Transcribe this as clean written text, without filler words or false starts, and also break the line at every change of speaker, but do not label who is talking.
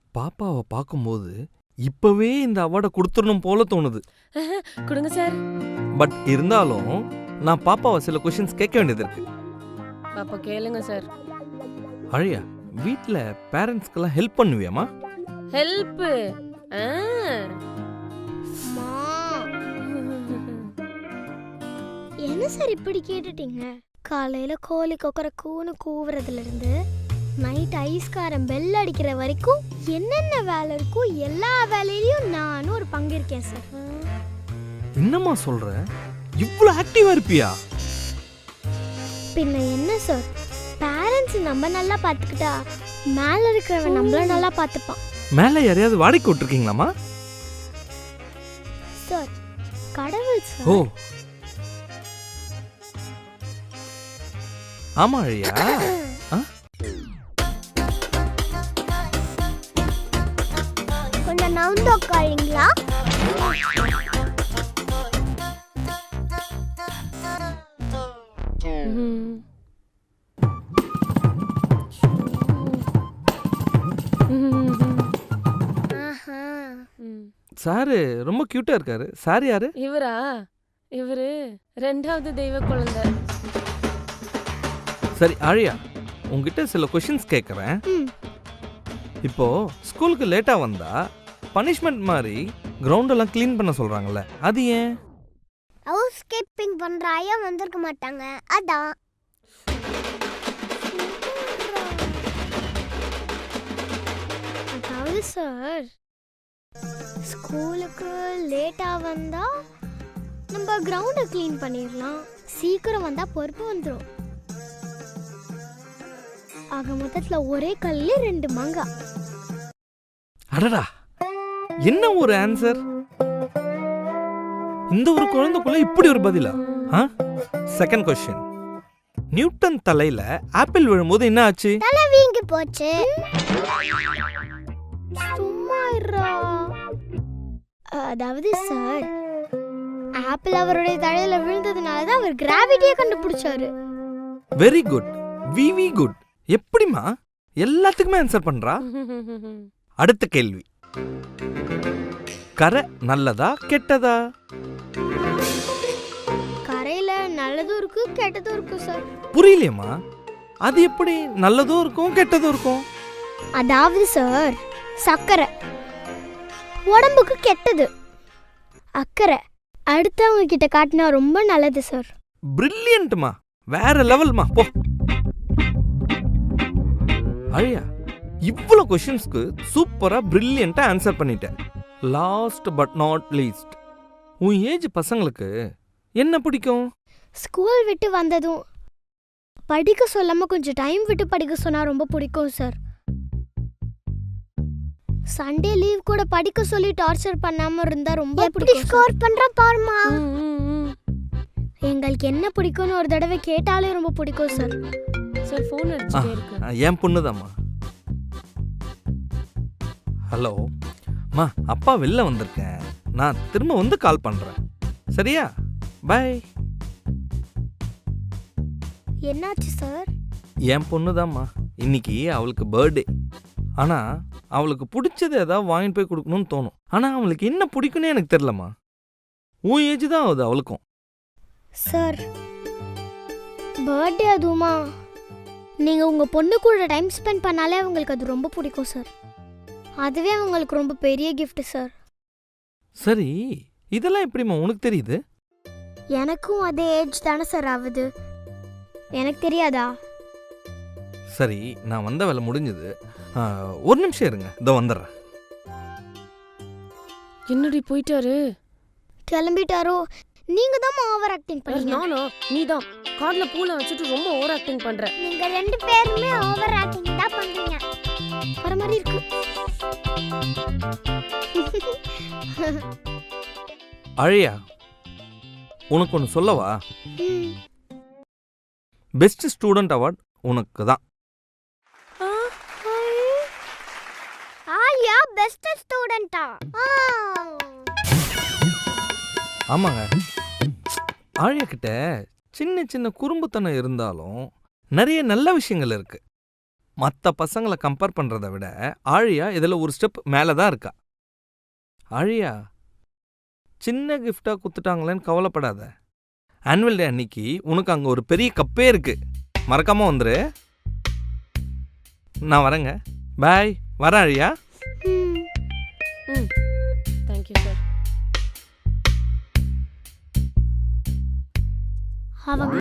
பாப்பாவை பார்க்கும்போது இப்பவே இந்த அவார்டை கொடுத்துடணும் போல தோணுது.
கொடுங்க சார்.
பட் இருந்தாலும் நான் பாப்பாவை சில கொஸ்டின்ஸ் கேட்க வேண்டியது இருக்கு.
அப்ப கேளுங்க சார்.
அழியா, வீட்ல பேரண்ட்ஸ்க்கெல்லாம் ஹெல்ப் பண்ணுவியாமா?
ஹெல்ப்?
என்ன சார் இப்படி கேட்டுட்டீங்க? காலையில கோழி கொக்கர கூன்னு கூவுறதுல இருந்து நைட் ஐஸ்காரம் பெல் அடிக்கிற வரைக்கும் என்னென்ன வேலை இருக்கோ எல்லா வேலையிலயும் நானும் ஒரு பங்கு இருக்கேன் சார்.
என்னம்மா சொல்ற? இவ்வளவு ஆக்டிவா இருப்பியா?
பின்ன என்ன சார், பேரண்ட்ஸ் நம்ம நல்லா பாத்துக்கிட்டா மேல இருக்கிறவன் நம்மள நல்லா பாத்துப்பான்.
மேல யாரையாவது வாடகைக்கு விட்டுருக்கீங்களாமா?
சார் கடவுள் சார்.
ஓ ஆமா அழியா.
கொஞ்சம் நவுந்து உட்காருங்களா?
சாரு ரொம்ப கியூட்டா இருக்காரு. சார் யாரு?
இவரா? இவரு ரெண்டாவது தெய்வ குழந்தை.
சரி ஆழியா, உங்ககிட்ட சில கொஸ்டின்ஸ் கேட்குறேன். இப்போ ஸ்கூலுக்கு லேட்டா வந்தா பனிஷ்மெண்ட் மாதிரி கிரவுண்ட் எல்லாம் க்ளீன் பண்ண சொல்றாங்கல்ல, அது ஏன்?
ஹவுஸ் கீப்பிங் பண்ற ஐயா வந்திருக்க மாட்டாங்க, அதான். அதாவது சார், ஸ்கூலுக்கு லேட்டா வந்தா நம்ம கிரவுண்டை க்ளீன் பண்ணிடலாம், சீக்கிரம் வந்தா பொறுப்பு வந்துடும். ஆக மொத்தத்துல ஒரே கல்ல ரெண்டு மாங்கா.
அடடா, என்ன ஒரு ஆன்சர்! இந்த ஒரு குழந்தைக்குள்ள இப்படி ஒரு பதிலா? செகண்ட் கொஸ்டின், நியூட்டன் தலையில ஆப்பிள் விழும்போது என்ன ஆச்சு?
தலை வீங்கி போச்சு. சும்மா இருடா. அதாவது சார், ஆப்பிள் அவருடைய தலையில விழுந்ததுனால தான் அவர் கிராவிட்டியை கண்டுபிடிச்சாரு.
Very good, very good. எப்படிமா எல்லாத்துக்குமே ஆன்சர் பண்றா? அடுத்த கேள்வி, கரை நல்லதா கெட்டதா?
கரையில நல்லதும் இருக்கு கெட்டதும் இருக்கு சார்.
புரியலையம்மா, அது எப்படி நல்லதும் இருக்கும் கெட்டதும் இருக்கும்?
அதாவது சார், சக்கரை உடம்புக்கு கெட்டது, அக்கறை அடுத்தவங்க கிட்ட காட்டினா ரொம்ப நல்லது சார்.
பிரில்லியன்ட்மா, வேற லெவல்மா. போ அழியா, இவ்வளவு கொஸ்டின்ஸ்க்கு சூப்பரா பிரில்லியண்டா ஆன்சர் பண்ணிட்டேன். லாஸ்ட் பட் நாட் லீஸ்ட், உன் ஏஜ் பசங்களுக்கு என்ன பிடிக்கும்?
ஸ்கூல் விட்டு வந்ததும் படிக்க சொல்லாம கொஞ்சம் டைம் விட்டு படிக்க சொன்னா ரொம்ப பிடிக்கும் சார். சண்டே லீவ் கூட படிக்க சொல்லி டார்ச்சர் பண்ணாம இருந்தா ரொம்ப பிடிக்கும். ஸ்கோர் பண்றா பாருமா. எங்களுக்கு என்ன பிடிக்கும்னு ஒரு தடவை கேட்டாலே ரொம்ப பிடிக்கும் சார்.
சார் ஃபோன் அடிச்சிட்டே இருக்கு.
என் பொண்ணுதாம்மா. ஹலோ மா, அப்பா வெளில வந்திருக்கேன், நான் திரும்ப வந்து கால் பண்றேன், சரியா? பை.
என்னாச்சு சார்?
என் பொண்ணுதாம்மா, இன்னைக்கு அவளுக்கு பர்த்டே. ஆனா அவளுக்கு பிடிச்சது ஏதாவது வாங்கிட்டு போய் கொடுக்கணும்னு தோணும். ஆனா அவளுக்கு என்ன பிடிக்கும்னு எனக்கு தெரியலம்மா. உன் ஏஜ் தான் ஆகுது அவளுக்கும்.
சார் பர்த்டே அதுவுமா, நீங்க உங்க பொண்ணு கூட டைம் ஸ்பெண்ட் பண்ணாலே அவங்களுக்கு அது ரொம்ப பிடிக்கும் சார். அதுவே அவங்களுக்கு ரொம்ப பெரிய கிஃப்ட் சார்.
சரி, இதெல்லாம் எப்படிம்மா உனக்கு தெரியுது?
எனக்கும் அதே ஏஜ் தானே சார் ஆகுது, எனக்கு தெரியாதா?
சரி, நான் வந்த வேலை முடிஞ்சது, ஒரு நிமிஷம் இருங்க, இதோ வந்துடுறேன்.
என்னடி போயிட்டாரு?
கிளம்பிட்டாரோ? நீங்க தான் ஓவர் ஆக்டிங் பண்ணீங்க.
நானோ? நீ தான் கார்ல பூல வச்சிட்டு ரொம்ப ஓவர் ஆக்டிங் பண்ற.
நீங்க ரெண்டு பேருமே ஓவர் ஆக்டிங் தான் பண்றீங்க. வர மாதிரி இருக்கு.
அழியா, உனக்கு ஒன்று சொல்லவா? பெஸ்ட் ஸ்டூடெண்ட் அவார்ட் உனக்கு தான்.
ஆலியா பெஸ்ட் ஸ்டூடெண்டா?
ஆமாங்க, ஆழியா கிட்ட சின்ன சின்ன குறும்புத்தனம் இருந்தாலும் நிறைய நல்ல விஷயங்கள் இருக்கு. மற்ற பசங்களை கம்பேர் பண்ணுறதை விட ஆழியா இதில் ஒரு ஸ்டெப் மேலே தான் இருக்கா. ஆழியா, சின்ன கிஃப்டாக குத்துட்டாங்களேன்னு கவலைப்படாத. ஆனுவல் டே அன்னைக்கு உனக்கு அங்கே ஒரு பெரிய கப்பே இருக்கு, மறக்காம வந்துரு. நான் வரேங்க. பாய். வரேன் ஆழியா.
Thank you sir.
அவங்க